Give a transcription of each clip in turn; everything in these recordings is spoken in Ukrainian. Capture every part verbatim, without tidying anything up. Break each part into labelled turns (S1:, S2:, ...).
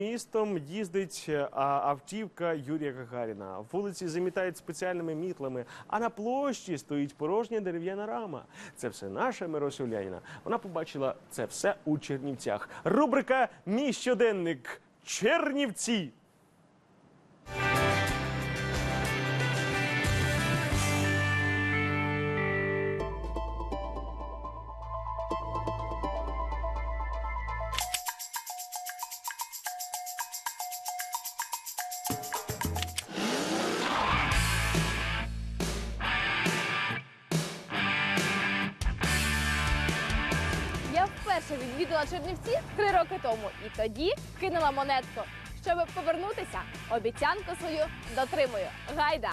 S1: Містом їздить автівка Юрія Гагаріна. Вулиці замітають спеціальними мітлами, а на площі стоїть порожня дерев'яна рама. Це все наша Мирося Уляніна. Вона побачила це все у Чернівцях. Рубрика «Мій щоденник. Чернівці».
S2: Я вперше відвідала Чернівці три роки тому і тоді кинула монетку. Щоб повернутися, обіцянку свою дотримую. Гайда!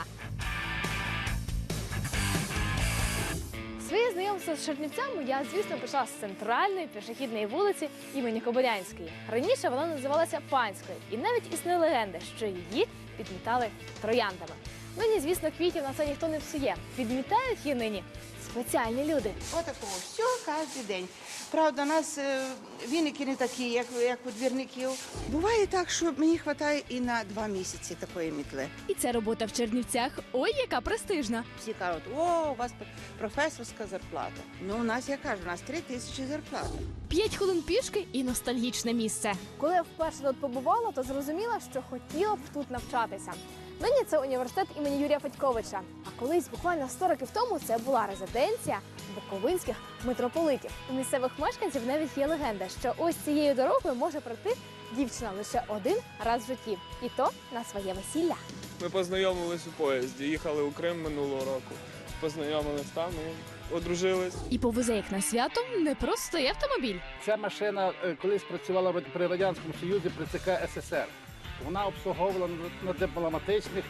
S2: Своє знайомство з Чернівцями я, звісно, почала з центральної пішохідної вулиці імені Кобилянської. Раніше вона називалася Панською, і навіть існує легенда, що її підмітали трояндами. Нині, звісно, квітів на це ніхто не псує. Підмітають її нині спеціальні люди.
S3: Отакого все кожен день. Правда, у нас е, віники не такі, як, як у двірників. Буває так, що мені вистачає і на два місяці такої мітли.
S2: І ця робота в Чернівцях, ой, яка престижна.
S3: Всі кажуть, о, у вас професорська зарплата. Ну, у нас, я кажу, у нас три тисячі зарплата.
S2: П'ять хвилин пішки і ностальгічне місце. Коли я вперше тут побувала, то зрозуміла, що хотіла б тут навчатися. Нині це університет імені Юрія Федьковича. А колись, буквально сто років тому, це була резиденція буковинських митрополитів. У місцевих мешканців навіть є легенда, що ось цією дорогою може пройти дівчина лише один раз в житті. І то на своє весілля.
S4: Ми познайомились у поїзді, їхали у Крим минулого року. Познайомились там і одружились.
S2: І повезе їх на свято не простий автомобіль.
S5: Ця машина е, колись працювала при Радянському Союзі при ЦК СССР. Вона обслуговувала на дипломатичних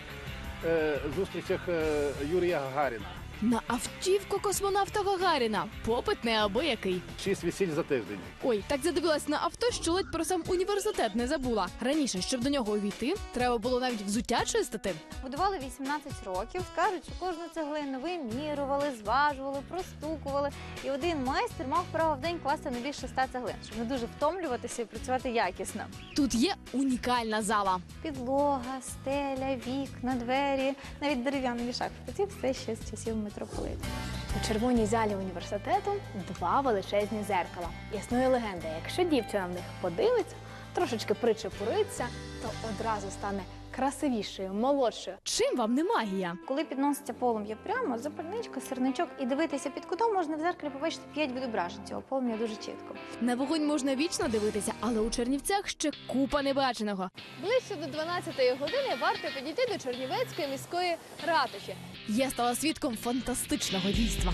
S5: е, зустрічах е, Юрія Гагаріна.
S2: На автівку космонавта Гагаріна. Попит неабиякий.
S5: Шість весіль за тиждень.
S2: Ой, так задивилась на авто, що ледь про сам університет не забула. Раніше, щоб до нього увійти, треба було навіть взуття чистити.
S6: Будували вісімнадцять років. Кажуть, що кожну цеглину вимірювали, зважували, простукували. І один майстер мав право в день класти не більше ста цеглин, щоб не дуже втомлюватися і працювати якісно.
S2: Тут є унікальна зала.
S6: Підлога, стеля, вікна, двері, навіть дерев'яний вішак. Це все ще з часів митрополита.
S2: У червоній залі університету два величезні зеркала. Існує легенда, якщо дівчина в них подивиться, трошечки причепуриться, то одразу стане красивішою, молодшою. Чим вам не магія?
S6: Коли підноситься полум'я прямо, запальничка, сирничок і дивитися під кутом, можна в зеркалі побачити п'ять відображень цього полум'я дуже чітко.
S2: На вогонь можна вічно дивитися, але у Чернівцях ще купа небаченого. Ближче до дванадцятої години варто підійти до Чернівецької міської ратуші. Я стала свідком фантастичного дійства.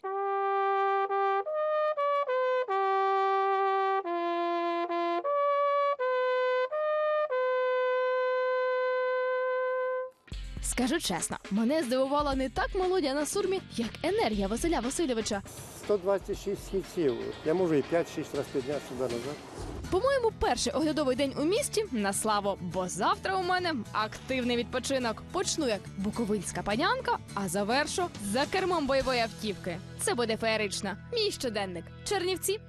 S2: Скажу чесно, мене здивувала не так мелодія на сурмі, як енергія Василя Васильовича.
S7: сто двадцять шість східців. Я можу і п'ять-шість разів підняти сюди-назад.
S2: По-моєму, перший оглядовий день у місті на славу, бо завтра у мене активний відпочинок. Почну як буковинська панянка, а завершу за кермом бойової автівки. Це буде феєрично. Мій щоденник. Чернівці.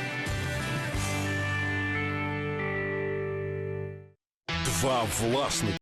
S8: Два власники.